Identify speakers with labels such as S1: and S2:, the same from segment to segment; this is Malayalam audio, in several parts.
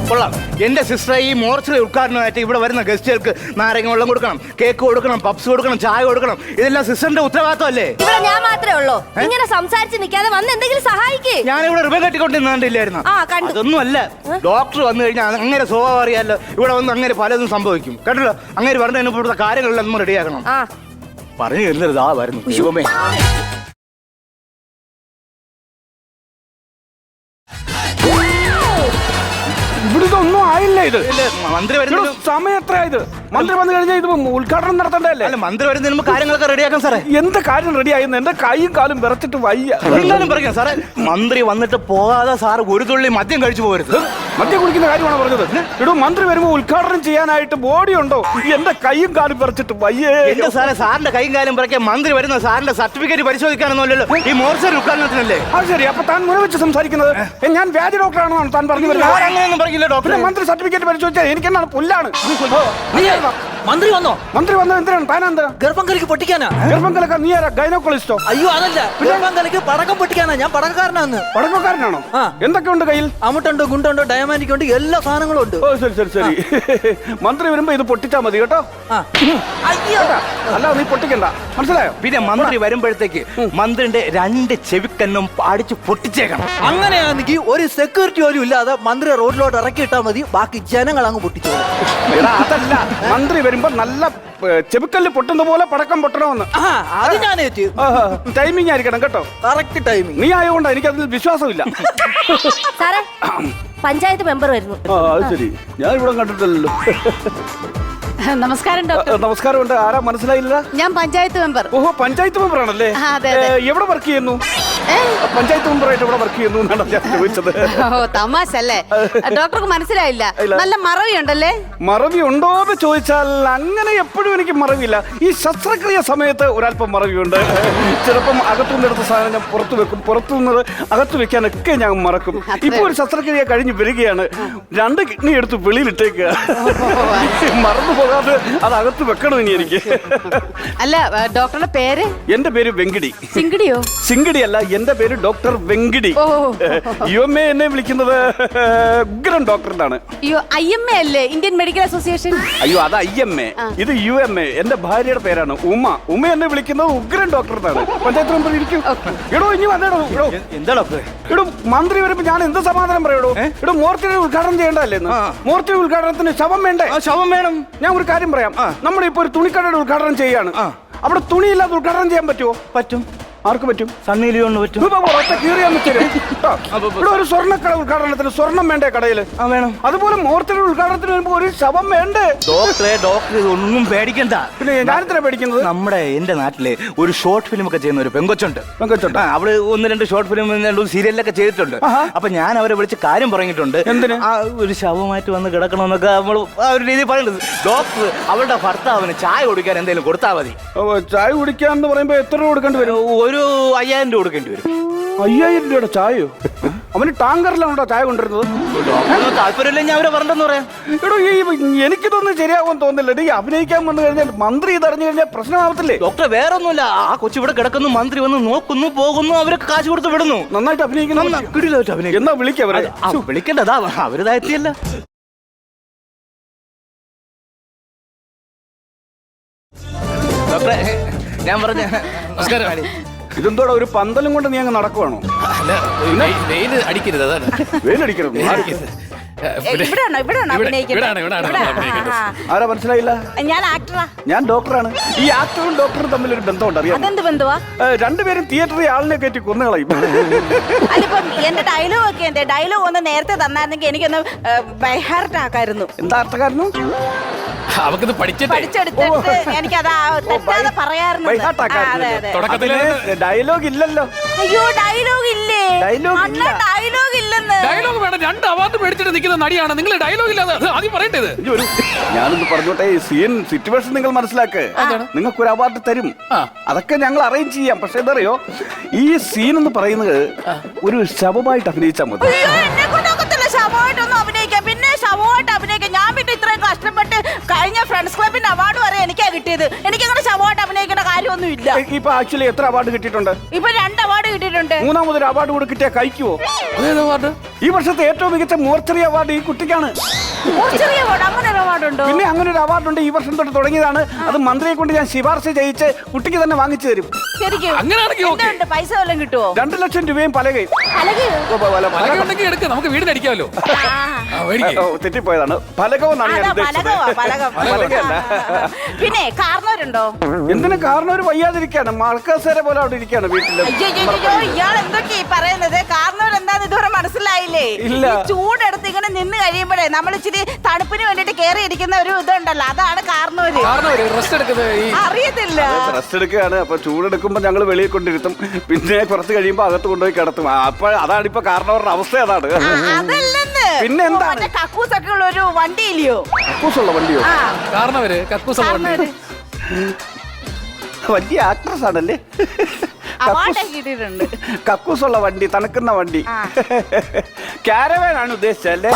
S1: കൊള്ളാം. എന്റെ സിസ്റ്റർ ഈ മോർച്ചറി ഉദ്ഘാടനമായിട്ട് ഇവിടെ വരുന്ന ഗസ്റ്റുകൾക്ക് നാരങ്ങ വെള്ളം കൊടുക്കണം, കേക്ക് കൊടുക്കണം, പപ്സ് കൊടുക്കണം, ചായ കൊടുക്കണം. ഇതെല്ലാം സിസ്റ്ററിന്റെ ഉത്തരവാദിത്തമല്ലേ?
S2: ഇവിടെ ഞാൻ മാത്രമേ ഉള്ളൂ. ഇങ്ങനെ സംസാരിച്ച് നിൽക്കാതെ വന്ന് എന്തെങ്കിലും സഹായിക്കേ.
S1: ഞാനിവിടെ റിബൺ കെട്ടിക്കൊണ്ടിരുന്നില്ലായിരുന്നു. അതൊന്നും അല്ല. ഡോക്ടർ വന്നു കഴിഞ്ഞാൽ അങ്ങനെ സ്വഭാവം അറിയാലോ. ഇവിടെ വന്ന് അങ്ങനെ പലതും സംഭവിക്കും കേട്ടല്ലോ. അങ്ങനെ പറഞ്ഞ ഇവിടുത്തെ കാര്യങ്ങളെല്ലാം നമ്മൾ റെഡിയാക്കണം. പറഞ്ഞു തരുന്നത് വരുന്നു. ദൈവമേ,
S3: ഇവിടുത്തെ ഒന്നും ആയില്ല. ഇത്
S1: മന്ത്രി വരുന്ന
S3: സമയം എത്രയായത്? മന്ത്രി വന്നു കഴിഞ്ഞാൽ ഇത് ഉദ്ഘാടനം നടത്തണ്ടല്ലേ?
S1: അല്ല, മന്ത്രി വരുന്നതിന് മുമ്പ് കാര്യങ്ങളൊക്കെ റെഡിയാക്കാം സാറേ.
S3: എന്ത് കാര്യം റെഡിയായിരുന്നു? എന്റെ കൈയും കാലും വിറച്ചിട്ട് വയ്യ.
S1: എന്തായാലും പറയാം സാറേ. മന്ത്രി വന്നിട്ട് പോകാതെ സാറ് ഒരു തുള്ളി മദ്യം കഴിച്ചു പോകരുത്.
S3: മദ്യം കുടിക്കുന്ന കാര്യമാണ് പറഞ്ഞത്. ഇടൂ, മന്ത്രി വരുമ്പോ ഉദ്ഘാടനം ചെയ്യാനായിട്ട് ബോഡി ഉണ്ടോ? എന്റെ കൈയും കാലും വിറച്ചിട്ട് വയ്യേ.
S1: എന്റെ സാറേ, സാറിന്റെ കൈയും കാലും പറയ്ക്കാൻ മന്ത്രി വരുന്ന സാറിന്റെ സർട്ടിഫിക്കറ്റ് പരിശോധിക്കാനൊന്നുമല്ലോ. ഈ മോർച്ചറി ഉദ്ഘാടനത്തിനല്ലേ?
S3: അത് ശരി. അപ്പൊ താൻ മുറി വെച്ച് സംസാരിക്കുന്നത് ഞാൻ വ്യാജ ഡോക്ടറാണോ താൻ പറഞ്ഞു വരുന്നത്?
S1: അങ്ങനെയൊന്നും പറയില്ല ഡോക്ടർ.
S3: മന്ത്രി സർട്ടിഫിക്കറ്റ് പരിശോധിച്ചാൽ എനിക്കെന്നാണ് പുല്ലാണ്.
S4: മന്ത്രി വന്നോ?
S3: മന്ത്രി വന്നത് എന്തിനാണ്? താനെന്താ
S4: ഗർഭം കലക്ക് പൊട്ടിക്കാനാ?
S3: ഗർഭം കലക്ക നീ ആരാ? ഗൈനോക്കോളജിസ്റ്റോ?
S4: അയ്യോ അതല്ല, ഗർഭം കലക്ക് പടക്കം പൊട്ടിക്കാനാ. ഞാൻ പടക്കക്കാരനാന്ന്.
S3: പടക്കക്കാരനാണോ? എന്തൊക്കെയുണ്ട് കയ്യിൽ?
S4: അമുട്ടുണ്ട്, ഗുണ്ടുണ്ട്, ഡയമാൻഡിക് ഉണ്ട്, എല്ലാ സാധനങ്ങളും ഉണ്ട്.
S3: ഓ ശരി ശരി ശരി. മന്ത്രി വരുമ്പോ ഇത് പൊട്ടിച്ചാ മതി കേട്ടോ.
S4: അയ്യോ,
S3: അല്ല നീ പൊട്ടിക്കണ്ട, മനസ്സിലായോ?
S1: പിന്നെ മന്ത്രി വരുമ്പോഴത്തേക്ക് മന്ത്രിന്റെ 2 ചെവിക്കന്നും അടിച്ച് പൊട്ടിച്ചേക്കണം.
S4: അങ്ങനെയാണെങ്കിൽ ഒരു സെക്യൂരിറ്റി പോലും ഇല്ലാതെ മന്ത്രി റോഡിലോട്ട് ഇറക്കിയിട്ടാ മതി. ബാക്കി ജനങ്ങൾ അങ്ങ് പൊട്ടിച്ചോളും.
S3: അതല്ല, മന്ത്രി വരുമ്പോ നല്ല ചെവിക്കല്ല് പൊട്ടുന്ന പോലെ പടക്കം പൊട്ടണമെന്ന്.
S4: അത് ഞാൻ
S3: ടൈമിംഗ് ആയിരിക്കണം കേട്ടോ.
S4: Correct timing.
S3: നീ ആയതുകൊണ്ട് എനിക്ക് അതിൽ വിശ്വാസമില്ല.
S2: സാറേ, പഞ്ചായത്ത് മെമ്പർ വരുന്നു.
S3: അത് ശരി. ഞാൻ ഇവിടെ കണ്ടിട്ടില്ലല്ലോ.
S5: നമസ്കാരം ഡോക്ടർ.
S3: നമസ്കാരമുണ്ട്. ആരാ മനസ്സിലായില്ല?
S5: ഞാൻ പഞ്ചായത്ത് മെമ്പർ.
S3: ഓഹോ, പഞ്ചായത്ത് മെമ്പർ ആണല്ലേ? എവിടെ വർക്ക് ചെയ്യുന്നു? പഞ്ചായത്ത് മെമ്പറായിട്ട് ഇവിടെ വർക്ക് ചെയ്യുന്നു എന്നാണ് ഞാൻ ചോദിച്ചത്.
S5: ഓ തമാശ അല്ലേ? ഡോക്ടർക്ക് മനസ്സിലായില്ല. നല്ല മറവി ഉണ്ടല്ലേ?
S3: മറവി ഉണ്ടോന്ന് ചോദിച്ചാൽ അങ്ങനെ എപ്പോഴും എനിക്ക് മറവിയില്ല. ഈ ശസ്ത്രക്രിയ സമയത്ത് ഒരല്പം മറവിയുണ്ട്. ചിലപ്പം അകത്തുനിന്നെടുത്ത സാധനം ഞാൻ പുറത്തു വെക്കും, പുറത്തുനിന്നത് അകത്ത് വെക്കാനൊക്കെ ഞാൻ മറക്കും. ഇപ്പൊ ഒരു ശസ്ത്രക്രിയ കഴിഞ്ഞ് വരികയാണ്. 2 കിഡ്നി എടുത്ത് വെളിയിലിട്ടേക്കുക. മറന്നു പോകാതെ അത് അകത്ത് വെക്കണം ഇനി എനിക്ക്.
S5: അല്ല, ഡോക്ടറുടെ പേര്?
S3: എന്റെ പേര് വെങ്കിടി.
S5: സിംഗിടിയോ?
S3: സിംഗിടി അല്ല, എന്റെ പേര് ഡോക്ടർ വെങ്കിടി. UMA എന്നെ വിളിക്കുന്നത് ഉഗ്രൻ ഡോക്ടർ എന്നാണ്.
S5: IMA അല്ലേ? Indian medical association.
S3: അയ്യോ, അത് IMA, ഇത് UMA. എന്റെ ഭാര്യയുടെ പേരാണ് ഉമ്മ. ഉമ്മ എന്നെ വിളിക്കുന്നത് ഉഗ്രൻ ഡോക്ടർ എന്നാണ്. പഞ്ചായത്ത് മെമ്പർ ഇരിക്കും. എടോ ഇനി വന്നേടോ.
S1: എന്താ ഡോക്ടർ?
S3: എടോ, മന്ത്രി വരുമ്പോ ഞാൻ എന്ത് സമാധാനം പറയടോ? എടോ, മോർച്ചറി ഉദ്ഘാടനം ചെയ്യേണ്ടല്ലേ? മോർച്ചറി ഉദ്ഘാടനത്തിന് ശവം വേണ്ടേ?
S1: ശവം വേണം.
S3: ഞാൻ ഒരു കാര്യം പറയാം. നമ്മളിപ്പോ ഒരു തുണിക്കടയുടെ ഉദ്ഘാടനം ചെയ്യാണ്. അവിടെ തുണിയില്ലാതെ ഉദ്ഘാടനം ചെയ്യാൻ പറ്റുമോ?
S1: പറ്റും.
S3: ആർക്ക് പറ്റും?
S1: സണ്ണി ലിയോണ് പറ്റും.
S3: ഇവിടെ ഒരു സ്വർണ്ണക്കട ഉദ്ഘാടനത്തിന് സ്വർണം വേണ്ടേ കടയില്?
S1: വേണം.
S3: അതുപോലെ മോർച്ചറി ഉദ്ഘാടനത്തിന് വരുമ്പോ ഒരു ശവം വേണ്ടേ?
S1: ഡോക്ടർ ഒന്നും പേടിക്കണ്ട.
S3: പിന്നെ ഞാനെന്തിനാ പേടിക്കുന്നത്?
S1: നമ്മുടെ എന്റെ നാട്ടില് ഒരു ഷോർട്ട് ഫിലിം ഒക്കെ ചെയ്യുന്ന ഒരു പെങ്കൊച്ചുണ്ട്. അവള് 1-2 ഷോർട്ട് ഫിലിം സീരിയലൊക്കെ ചെയ്തിട്ടുണ്ട്. അപ്പൊ ഞാൻ അവരെ വിളിച്ച് കാര്യം പറഞ്ഞിട്ടുണ്ട്.
S3: എന്തിന്?
S1: ഒരു ശവമായിട്ട് വന്ന് കിടക്കണമെന്നൊക്കെ നമ്മൾ ആ ഒരു രീതി പറയുന്നത്. ഡോക്ടർ അവളുടെ ഭർത്താവിന് ചായ കുടിക്കാൻ എന്തെങ്കിലും കൊടുത്താൽ മതി.
S3: ചായ കുടിക്കാന്ന് പറയുമ്പോ എത്ര രൂപ കൊടുക്കേണ്ടി വരും?
S1: ഒരു 5000 രൂപ കൊടുക്കേണ്ടി വരും.
S3: 5000 രൂപയുടെ ചായയോ? അവന് ടാങ്കറിലാണോ ചായ കൊണ്ടിരുന്നത്?
S1: താല്പര്യമില്ല ഞാൻ അവരെ പറഞ്ഞെന്ന് പറയാം.
S3: എടോ, എനിക്കിതൊന്നും ശരിയാകുമെന്ന് തോന്നുന്നില്ല. ഈ അഭിനയിക്കാൻ വന്നു കഴിഞ്ഞാൽ മന്ത്രി ഇതറിഞ്ഞു കഴിഞ്ഞാൽ പ്രശ്നമാവത്തില്ലേ?
S1: ഡോക്ടർ വേറെ ഒന്നുമില്ല. ആ കൊച്ചു ഇവിടെ കിടക്കുന്നു, മന്ത്രി വന്ന് നോക്കുന്നു, പോകുന്നു, അവരൊക്കെ കാശ് കൊടുത്ത് വിടുന്നു.
S3: നന്നായിട്ട് അഭിനയിക്കുന്നു. എന്നാ വിളിക്കവരെ.
S1: വിളിക്കണ്ടതാ, അവരിതാ എത്തിയല്ല. ഡോക്ടറെ, ഞാൻ പറഞ്ഞ നമസ്കാരം.
S3: ഇതെന്തോടെ ഒരു പന്തലും കൊണ്ട് നീ അങ്ങ് നടക്കുവാണോ?
S6: വെയിൽ അടിക്കരുത്, അതാണ്.
S3: വെയിലടിക്കണം. ആരാ മനസ്സിലായില്ല?
S5: ഞാൻ ആക്ടറാ.
S3: ഞാൻ ഡോക്ടറാണ്. ഈ ആക്ടറും ഡോക്ടറും തമ്മിൽ ഒരു ബന്ധമുണ്ട്, അറിയാം?
S5: അതെന്ത് ബന്ധുവാ?
S3: രണ്ടുപേരും തിയേറ്ററിൽ ആളിനെ കയറ്റി കൊന്നുകളയും.
S5: അതിപ്പം എന്റെ ഡയലോഗ് ഒക്കെ എന്തേ? ഡയലോഗ് ഒന്ന് നേരത്തെ തന്നായിരുന്നെങ്കിൽ എനിക്കൊന്ന് ബൈഹാർട്ട് ആക്കായിരുന്നു.
S3: എന്താ അർത്ഥക്കാരനും?
S6: അവക്കത്
S5: പഠിച്ചെടുത്തിട്ട് എനിക്കതാ തെറ്റാതെ പറയാറുണ്ട്.
S3: ഡയലോഗ് ഇല്ലല്ലോ.
S5: അയ്യോ, ഡയലോഗ് ഇല്ലേ?
S3: ഡയലോഗ്
S5: ഇല്ലെന്ന്.
S6: ഡയലോഗ് വേണം. 2 അവാർഡ് മേടിച്ചിട്ട് നിൽക്കുന്ന നടിയാണ് നിങ്ങൾ. ഡയലോഗ് ഇല്ലാതെ ആദ്യം പറയേണ്ടത്.
S3: ഞാനൊന്ന് പറഞ്ഞോട്ടെ, സീൻ സിറ്റുവേഷൻ നിങ്ങൾ മനസ്സിലാക്ക്. നിങ്ങൾക്കൊരു അവാർഡ് തരും, അതൊക്കെ ഞങ്ങൾ അറേഞ്ച് ചെയ്യാം. പക്ഷെ എന്തറിയോ, ഈ സീൻ എന്ന് പറയുന്നത് ഒരു ശവമായിട്ട് അഭിനയിച്ചാൽ മതി.
S5: ശവമായിട്ടൊന്നും അഭിനയിക്കാം. പിന്നെ ശവമായിട്ട് അഭിനയിക്കാം. ഞാൻ പിന്നെ ഇത്രയും കഷ്ടപ്പെട്ട് കഴിഞ്ഞ ഫ്രണ്ട്സ് ക്ലബിന്റെ അവാർഡ് വരെ എനിക്കാ കിട്ടിയത്. എനിക്കങ്ങനെ ശവമായിട്ട് അഭിനയിക്കേണ്ട കാര്യമൊന്നും ഇല്ല.
S3: ഇപ്പൊ ആക്ച്വലി എത്ര അവാർഡ് കിട്ടിയിട്ടുണ്ട്?
S5: ഇപ്പൊ 2 അവാർഡ് കിട്ടിയിട്ടുണ്ട്.
S3: 3ാമതൊരു അവാർഡ് കൂടെ കിട്ടിയാൽ കഴിക്കുവോ?
S6: അതേതാ വാർഡ്?
S3: ഈ വർഷത്തെ ഏറ്റവും മികച്ച മോർച്ചറി അവാർഡ് ഈ കുട്ടിക്കാണ്.
S5: ചെറിയ വാർഡ് അങ്ങനെ ഒരു അവാർഡുണ്ടോ?
S3: പിന്നെ അങ്ങനെ ഒരു അവാർഡുണ്ട്. ഈ വർഷം തൊട്ട് തുടങ്ങിയതാണ്. അത് മന്ത്രിയെ കൊണ്ട് ഞാൻ ശുപാർശ ചെയ്യിച്ച് കുട്ടിക്ക് തന്നെ വാങ്ങിച്ചു തരും.
S5: ശരിക്കും
S6: അങ്ങനെയാണെങ്കിൽ ഓക്കേ.
S5: എന്തുണ്ട്? പൈസ വല്ലതും കിട്ടുമോ?
S3: 2 ലക്ഷം രൂപയും പലകയും.
S6: പലകുണ്ടെങ്കിൽ എടുക്ക, നമുക്ക് വീടിന് അടിക്കാമല്ലോ.
S3: തെറ്റിപ്പോയതാണ്. ഫലകമെന്നാണ് ഞാൻ ഉദ്ദേശിച്ചത്. ഫലകമല്ല.
S5: പിന്നെ കാരണവരുണ്ടോ?
S3: എന്തിനു കാരണം ഒരു വയ്യാതിരിക്കാണ്. മൾക്കസേര പോലെ അവിടെ ഇരിക്കാണ് വീട്ടില്.
S5: അയ്യോ ഇയാൾ എന്തൊക്കെയാ പറയുന്നത്? കാരണവർ എന്താന്ന് ഇതുവരെ മനസ്സിലായില്ലേ?
S3: ഇല്ല.
S5: ഈ ചൂടെടുത്ത് ഇങ്ങനെ നിന്ന് കഴിയുമ്പോഴേ നമ്മൾ ഇച്ചിരി തണുപ്പിന് വേണ്ടിട്ട് കേറി ഇരിക്കുന്ന ഒരു ഇതുണ്ടല്ലോ, അതാണ് കാരണവര്.
S6: റെസ്റ്റ് എടുക്കുന്നത് ഈ
S5: അറിയത്തില്ല.
S3: റെസ്റ്റ് എടുക്കുകയാണ്. അപ്പൊ ചൂടെടുക്കുമ്പോ ഞങ്ങൾ വെളിയിൽ കൊണ്ടിരുത്തും. പിന്നെ കുറച്ച് കഴിയുമ്പോ അകത്ത് കൊണ്ടുപോയി കിടത്തും. അപ്പൊ അതാണ് ഇപ്പൊ കാരണവരുടെ അവസ്ഥ അതാണ്.
S5: അതല്ലെന്ന്.
S3: പിന്നെ എന്താണ്?
S5: മറ്റേ കക്കൂസൊക്കെ ഉള്ള ഒരു വണ്ടി ഇല്ലയോ?
S3: കക്കൂസുള്ള വണ്ടിയോ?
S5: ആ
S6: കാരണവര് കക്കൂസ്
S5: കാരണവര്
S3: വലിയ ആക്ട്രസ് ആണല്ലേ.
S5: അവാർഡ് കിട്ടിയിട്ടുണ്ട്.
S3: കക്കൂസുള്ള വണ്ടി, തണുക്കുന്ന വണ്ടി. കാരവാൻ ആണ് ഉദ്ദേശിച്ചല്ലേ?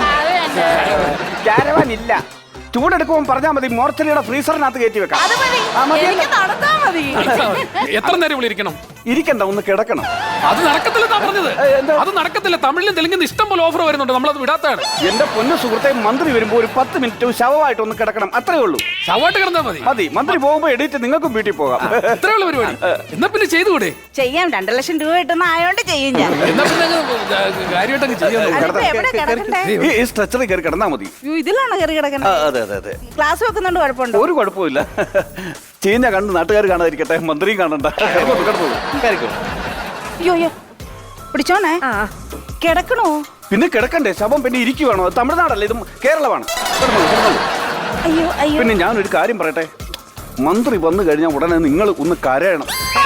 S3: കാരവാൻ ഇല്ല. ചൂടെടുക്കുമ്പോൾ പറഞ്ഞാൽ മതി, മോർച്ചറിയുടെ ഫ്രീസറിനകത്ത് കയറ്റി വെക്കാം.
S5: അത് മതി.
S3: ആ, മതി.
S5: എനിക്ക് നടത്താ മതി.
S6: എത്ര നേരം ഇവിടെ ഇരിക്കണം?
S3: ഇരിക്കണ്ട, ഒന്ന് കിടക്കണം.
S6: അത് നടക്കത്തില്ലെന്നാ പറഞ്ഞത്.
S3: എന്താ?
S6: അത് നടക്കത്തില്ല. തമിഴിലും തെലുങ്കിലും ഇഷ്ടം പോലെ ഓഫർ വരുന്നുണ്ട്, നമ്മളത് വിടാത്തതാണ്.
S3: എന്റെ പൊന്നു സുഹൃത്തെ, മന്ത്രി വരുമ്പോ ഒരു 10 മിനിറ്റ് ശവമായിട്ട് ഒന്ന് കിടക്കണം. അത്രേ ഉള്ളൂ.
S6: ശവമായിട്ട് കിടന്നാ മതി.
S3: മതി. മന്ത്രി പോകുമ്പോ എഡിറ്റ് നിങ്ങൾക്കും വീട്ടിൽ പോകാം.
S6: ഇത്രേ ഉള്ള പരിപാടി. എന്നാ പിന്നെ ചെയ്തുകൂടെ?
S5: ചെയ്യാം. 2 ലക്ഷം രൂപ കിട്ടുന്ന ആയോണ്ട് ചെയ്യും ഞാൻ.
S6: എന്നാ പിന്നെ കാര്യമായിട്ടങ്ങ് ചെയ്യാൻ നോക്ക്.
S5: അതിപ്പോ എവിടെ കിടക്കണ്ടേ?
S3: ഈ സ്ട്രെച്ചറിൽ കയറി കിടന്നാ മതി.
S5: അയ്യോ, ഇതിലാണോ കയറി കിടക്കണ്ടേ?
S3: അതെ അതെ അതെ.
S5: ക്ലാസ് വെക്കുന്നുണ്ട്, കുഴപ്പമുണ്ടോ?
S3: ഒരു കുഴപ്പമില്ല. ചീഞ്ഞ കണ്ട് നാട്ടുകാർ കാണാതിരിക്കട്ടെ, മന്ത്രിയും കാണണ്ട.
S5: അയ്യോ അയ്യോ പിടിച്ചോണേ. കിടക്കണോ?
S3: പിന്നെ കിടക്കണ്ടേ? ശവം പിന്നെ ഇരിക്കുവാണോ? തമിഴ്നാടല്ലേ, ഇത് കേരളമാണ്.
S5: അയ്യോ അയ്യോ.
S3: പിന്നെ ഞാനൊരു കാര്യം പറയട്ടെ, മന്ത്രി വന്നു കഴിഞ്ഞാൽ ഉടനെ നിങ്ങൾ ഒന്ന് കരയണം.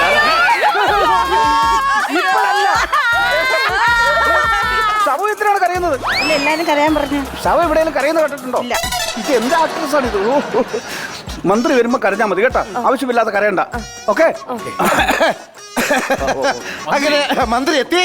S3: ശവം എത്രയാണ് കരയുന്നത്?
S5: ഇല്ല, എല്ലാരും കരയാൻ പറഞ്ഞു.
S3: ശവം എവിടെയെങ്കിലും കരയുന്നത് കേട്ടിട്ടുണ്ടോ?
S5: ഇല്ല.
S3: ഇത് എന്താ ആക്ട്രസ് ആണ് ഇത്? മന്ത്രി വരുമ്പോ കരഞ്ഞാൽ മതി കേട്ടോ, ആവശ്യമില്ലാതെ കരയണ്ട. ഓക്കെ.
S1: അങ്ങനെ മന്ത്രി എത്തി.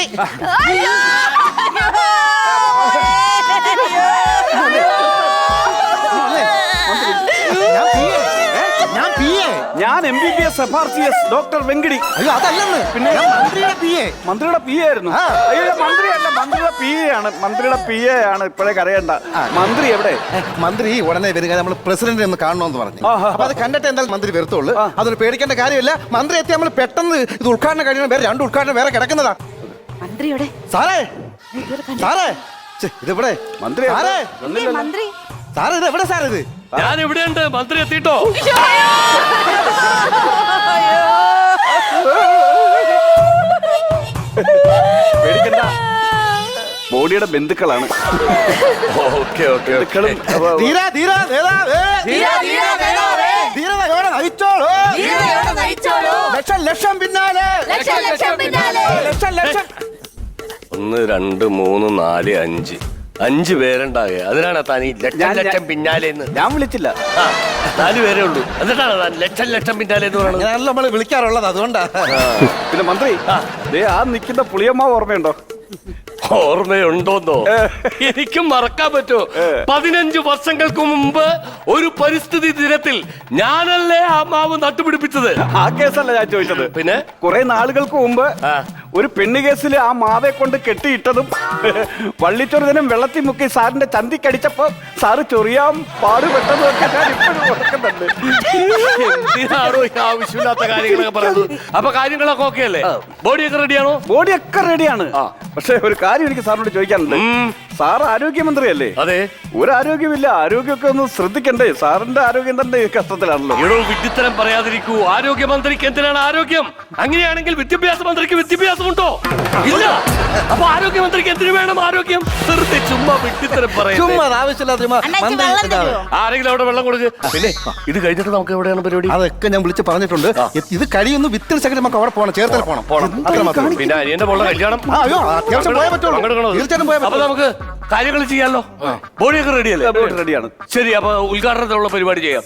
S3: ഞാൻ MBBS FRCS ഡോക്ടർ വെങ്കിടി.
S1: അയ്യോ അതല്ലെന്ന്.
S3: പിന്നെ
S1: മന്ത്രിയുടെ PA.
S3: മന്ത്രിയുടെ PA ആയിരുന്നു. അയ്യോ മന്ത്രിയല്ല, മന്ത്രിയുടെ PA ആണ്. മന്ത്രിയുടെ PA ആണ്. ഇപ്പോഴേ കരയണ്ട. മന്ത്രി എവിടെ?
S1: മന്ത്രി ഉടനെ വരിക, നമ്മൾ പ്രസിഡന്റിനെ ഒന്ന് കാണണമെന്ന് പറഞ്ഞു. അപ്പൊ അത് കണ്ടിട്ട് എന്തായാലും മന്ത്രി വരത്തുള്ളൂ. അതൊരു പേടിക്കേണ്ട കാര്യമില്ല. മന്ത്രി എത്തി നമ്മൾ പെട്ടെന്ന് ഇത് ഉദ്ഘാടനം കഴിയണം. വേറെ 2 ഉദ്ഘാടനം വേറെ കിടക്കുന്നതാ.
S5: മന്ത്രിയുടെ
S1: സാറേ സാറേ ഇതെവിടെ?
S3: മന്ത്രി
S1: സാറേ
S5: മന്ത്രി
S1: സാറേ ഇത് എവിടെ സാർ? ഇത്
S6: ഞാൻ ഇവിടെയുണ്ട്. മന്ത്രി എത്തിട്ടോ?
S3: പേടിക്കണ്ട, ബോഡിയുടെ ബന്ധുക്കളാണ്. ബന്ധുക്കളും
S1: ധീരാ ധീരാ നേതാവേ. ധീരതയോടെ നയിച്ചോളൂ. ലക്ഷം ലക്ഷം പിന്നാലെ. ലക്ഷം ലക്ഷം.
S7: 1 2 3 4 5 5 പേരുണ്ടാകുക. അതിനാണ് താൻ ഈ ലക്ഷം ലക്ഷം പിന്നാലെ എന്ന്?
S3: ഞാൻ വിളിച്ചില്ല.
S7: 4 പേരേ ഉള്ളൂ. എന്നിട്ടാണ് താൻ ലക്ഷം ലക്ഷം പിന്നാലെ എന്ന് പറയുന്നത്?
S1: അങ്ങനെയാണല്ലോ നമ്മൾ വിളിക്കാറുള്ളത്, അതുകൊണ്ടാ.
S3: പിന്നെ മന്ത്രി, ആ നിൽക്കുന്ന പുളിയമ്മാവ് ഓർമ്മയുണ്ടോ?
S7: ഓർമ്മയുണ്ടോന്നോ? എനിക്കും മറക്കാൻ പറ്റുമോ? 15 വർഷങ്ങൾക്ക് മുമ്പ് ഒരു പരിസ്ഥിതി ദിനത്തിൽ ഞാനല്ലേ ആ മാവ് നട്ടുപിടിപ്പിച്ചത്?
S3: ആ കേസല്ല ഞാൻ ചോദിച്ചത്.
S7: പിന്നെ
S3: കുറെ നാളുകൾക്ക് മുമ്പ് ഒരു പെണ്ണ് കേസിൽ ആ മാവെ കൊണ്ട് കെട്ടിയിട്ടതും വള്ളിച്ചൊരുതനും വെള്ളത്തിൽ മുക്കി സാറിന്റെ ചന്തിക്കടിച്ചപ്പോ സാറ് ചൊറിയാൻ പാടുപെട്ടതും ഒക്കെ ഞാൻ ഇപ്പോഴും ഓർക്കുന്നുണ്ട്.
S7: എന്തിനാണോ ഈ ആവശ്യമില്ലാത്ത കാര്യങ്ങളൊക്കെ പറയുന്നത്? അപ്പൊ കാര്യങ്ങളൊക്കെ ഓക്കെ അല്ലേ? ബോഡിയൊക്കെ റെഡിയാണോ?
S3: ബോഡിയൊക്കെ റെഡിയാണ്. പക്ഷെ ഒരു കാര്യം എനിക്ക് സാറിനോട് ചോദിക്കാനുണ്ട്. സാർ ആരോഗ്യമന്ത്രിയല്ലേ?
S7: അതെ.
S3: ഒരു ആരോഗ്യമില്ല. ആരോഗ്യമൊക്കെ ഒന്ന് ശ്രദ്ധിക്കണ്ടേ? സാറിന്റെ ആരോഗ്യം തന്നെ കഷ്ടത്തിലാണല്ലോ.
S7: ഇവിടെ വിഡ്ഢിത്തരം പറയാതിരിക്കൂ. ആരോഗ്യമന്ത്രിക്ക് എന്തിനാണ് ആരോഗ്യം? അങ്ങനെയാണെങ്കിൽ വിദ്യാഭ്യാസ മന്ത്രിക്ക് വിദ്യാഭ്യാസമുണ്ടോ? ഇല്ല. അപ്പൊ ആരോഗ്യമന്ത്രിക്ക് എന്തിനു വേണം ആരോഗ്യം? വെറുതെ ചുമ്മാ വിഡ്ഢിത്തരം
S1: ചുമ്മാ ആവശ്യമില്ലാത്ത
S7: ആരെങ്കിലും അവിടെ വെള്ളം കൊടുക്ക്. പിന്നെ ഇത് കഴിഞ്ഞിട്ട് നമുക്ക് എവിടെയാണ് പരിപാടി?
S1: അതൊക്കെ ഞാൻ വിളിച്ച് പറഞ്ഞിട്ടുണ്ട്. ഇത് കഴിയുന്നു. വിത്തിന് സെക്കൻഡ് നമുക്ക് അവിടെ പോകണം, ചേർത്തല പോകണം. അത്ര മാത്രം.
S7: പിന്നെ അനിയന്റെ പോലുള്ള കല്യാണം
S1: അയ്യോ അത്യാവശ്യം പോയാൽ പറ്റുള്ളൂ. തീർച്ചയായിട്ടും പോയാൽ
S7: അപ്പൊ നമുക്ക് കാര്യങ്ങൾ ചെയ്യാമല്ലോ. ബോഡിയൊക്കെ റെഡിയല്ലേ?
S3: ബോഡി റെഡിയാണ്.
S7: ശരി, അപ്പൊ ഉദ്ഘാടനത്തിലുള്ള പരിപാടി ചെയ്യാം.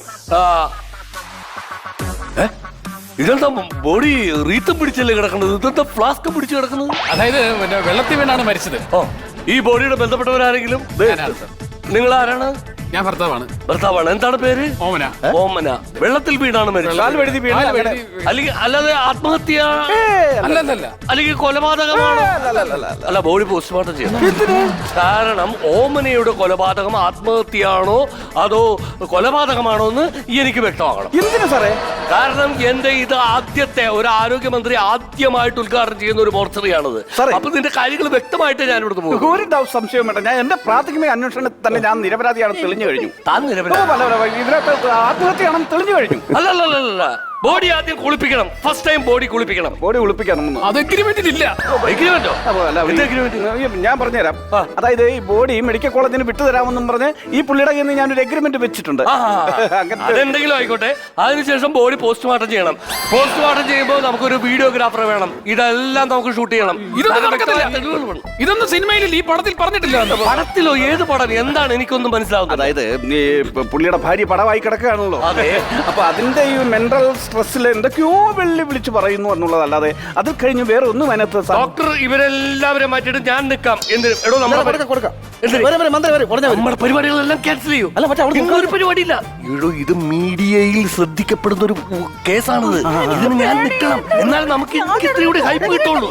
S7: ഇതെന്താ ബോഡി റീത്തും പിടിച്ചല്ലേ കിടക്കുന്നത്? ഇതെന്താ ഫ്ലാസ്ക് പിടിച്ച് കിടക്കുന്നത്?
S6: അതായത് പിന്നെ വെള്ളത്തിൽ വീണാണ് മരിച്ചത്.
S7: ഈ ബോഡിയുടെ ബന്ധപ്പെട്ടവരാരെങ്കിലും? നിങ്ങൾ ആരാണ്?
S6: ഞാൻ ഭർത്താവാണ്.
S7: ഭർത്താവാണ്. എന്താണ് പേര്?
S6: ഓമന.
S7: ഓമന. വെള്ളത്തിൽ വീണാണ് മരിച്ചത്.
S3: കാൽ വഴുതി വീണ്
S7: അല്ലെങ്കിൽ അല്ലാതെ ആത്മഹത്യ
S6: അല്ലല്ല.
S7: അല്ലെങ്കിൽ കൊലപാതകമാണോ? അല്ല, ബോഡി പോസ്റ്റ്മോർട്ടം ചെയ്യണം. കാരണം ഓമനയുടെ കൊലപാതകം ആത്മഹത്യയാണോ അതോ കൊലപാതകമാണോ എന്ന് എനിക്ക് വ്യക്തമാകണം.
S3: എന്തിനാ സാറേ?
S7: കാരണം എന്റെ ഇത് ആദ്യത്തെ ഒരു ആരോഗ്യമന്ത്രി ആദ്യമായിട്ട് ഉദ്ഘാടനം ചെയ്യുന്ന ഒരു മോർച്ചറിയാണത്.
S3: സാറേ.
S7: അപ്പൊ ഇതിന്റെ കാര്യങ്ങൾ വ്യക്തമായിട്ട് ഞാൻ ഇവിടുന്ന് പോകും.
S3: ഒരു സംശയം വേണ്ട. ഞാൻ എന്റെ പ്രാഥമിക അന്വേഷണത്തിൽ തന്നെ ഞാൻ നിരപരാധിയാണെന്ന് തെളിഞ്ഞു കഴിഞ്ഞു.
S7: താൻ നിരപരാധി.
S3: ഇതിനകത്ത് ആത്മഹത്യയാണെന്ന് തെളിഞ്ഞു കഴിഞ്ഞു.
S7: അല്ലല്ല, ബോഡി ആദ്യം കുളിപ്പിക്കണം. ഫസ്റ്റ് ടൈം ബോഡി കുളിപ്പിക്കണം.
S3: ബോഡി കുളിപ്പിക്കണം.
S6: അത് എഗ്രിമെന്റിലില്ല.
S7: എഗ്രിമെന്റോ?
S3: എന്ത് agreement? ഞാൻ പറഞ്ഞുതരാം. അതായത് ഈ ബോഡി മെഡിക്കൽ കോളേജിന് വിട്ടുതരാമെന്നും പറഞ്ഞ് ഈ പുള്ളിയുടെ കയ്യിൽ നിന്ന് ഞാനൊരു എഗ്രിമെന്റ് വെച്ചിട്ടുണ്ട്.
S7: അതെന്തെങ്കിലും ആയിക്കോട്ടെ. അതിനുശേഷം ബോഡി പോസ്റ്റ്മോർട്ടം ചെയ്യണം. പോസ്റ്റ്മോർട്ടം ചെയ്യുമ്പോൾ നമുക്കൊരു വീഡിയോഗ്രാഫറെ വേണം. ഇതെല്ലാം നമുക്ക് ഷൂട്ട് ചെയ്യണം.
S6: ഇതൊന്നും സിനിമയിൽ ഈ പടത്തിൽ പറഞ്ഞിട്ടില്ല.
S7: പടത്തിലോ? ഏത് പടം? എന്താണ് എനിക്കൊന്നും മനസ്സിലാവുന്നത്?
S3: അതായത് ഈ പുള്ളിയുടെ ഭാര്യ പടവായി കിടക്കുകയാണല്ലോ.
S7: അതെ.
S3: അപ്പൊ അതിന്റെ ഈ മെന്റൽ സ്ട്രെസ്സിൽ എന്തൊക്കെയോ വിളിച്ചു പറയുന്നു എന്നുള്ളതല്ലാതെ അതിൽ കഴിഞ്ഞ് വേറെ ഒന്നും അതിനകത്ത്
S7: ഡോക്ടർ ഇവരെല്ലാവരും മാറ്റിയിട്ട് ഞാൻ നിൽക്കാം. എന്തിനും? എടോ, നമ്മുടെ പരിപാടികളെല്ലാം ക്യാൻസൽ ചെയ്യൂ. ഒരു പരിപാടിയില്ല. എടോ, ഇത് മീഡിയയിൽ ശ്രദ്ധിക്കപ്പെടുന്ന ഒരു കേസാണിത്. ഇതിന് ഞാൻ നിൽക്കണം. എന്നാലും നമുക്ക് ഇത്രയൂടെ ഹൈപ്പ് കിട്ടുള്ളൂ.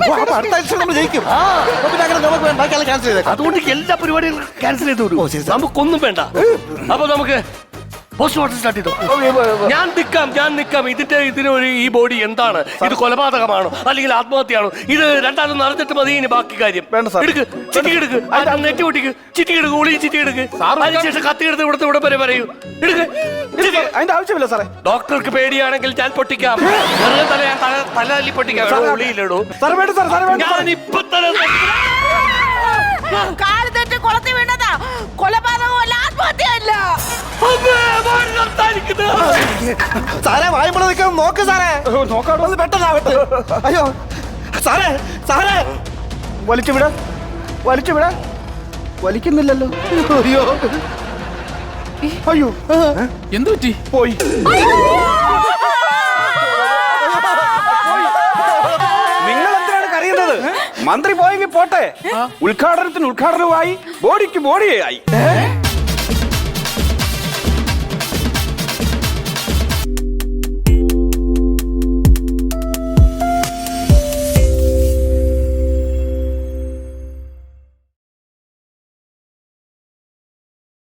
S7: അതുകൊണ്ട് എല്ലാ പരിപാടികളും ക്യാൻസൽ ചെയ്തു. നമുക്കൊന്നും വേണ്ട. അപ്പൊ നമുക്ക് പോസ്റ്റ്മോർട്ടം സ്റ്റാർട്ട് ചെയ്തു. ഞാൻ നിൽക്കാം. ഇതിനൊരു ഈ ബോഡി എന്താണ്? ഇത് കൊലപാതകമാണോ അല്ലെങ്കിൽ ആത്മഹത്യയാണോ? ഇത് രണ്ടാലും നടന്നിട്ട് മതി ഇനി ബാക്കി കാര്യം. എടുക്ക്, ചിറ്റി എടുക്ക്, നെറ്റ് പൊട്ടിക്ക്, ചിറ്റി എടുക്ക്, ഉളി ചിറ്റി എടുക്ക്. അതിനുശേഷം കത്തി എടുത്ത് ഇവിടെ വരെ പറയൂ. എടുക്ക്.
S3: അതിന്റെ ആവശ്യമില്ല സാറേ.
S7: ഡോക്ടർക്ക് പേടിയാണെങ്കിൽ ഞാൻ പൊട്ടിക്കാം. തല തല്ലി പൊട്ടിക്കാം. ഉളിയിലിടൂ. ഞാൻ ഇപ്പൊ തന്നെ
S5: കാല് തെറ്റ് കുളത്തി വീണതാ. കൊലപാതകമല്ല, ആത്മഹത്യയല്ല.
S4: സാറേ വായ്പ നിൽക്കാൻ നോക്ക് സാറേ.
S3: നോക്കാടോ,
S4: പെട്ടെന്നാവട്ടെ. അയ്യോ സാറേ, സാറേ
S3: വലിച്ചുവിട വലിക്കുന്നില്ലല്ലോ. അയ്യോ അയ്യോ,
S6: എന്തു പറ്റി?
S3: പോയി. നിങ്ങൾ എന്തിനാണ് കരയുന്നത്? മന്ത്രി പോയെങ്കിൽ പോട്ടെ. ഉദ്ഘാടനത്തിന് ഉദ്ഘാടനമായി, ബോഡിക്ക് ബോഡിയായി.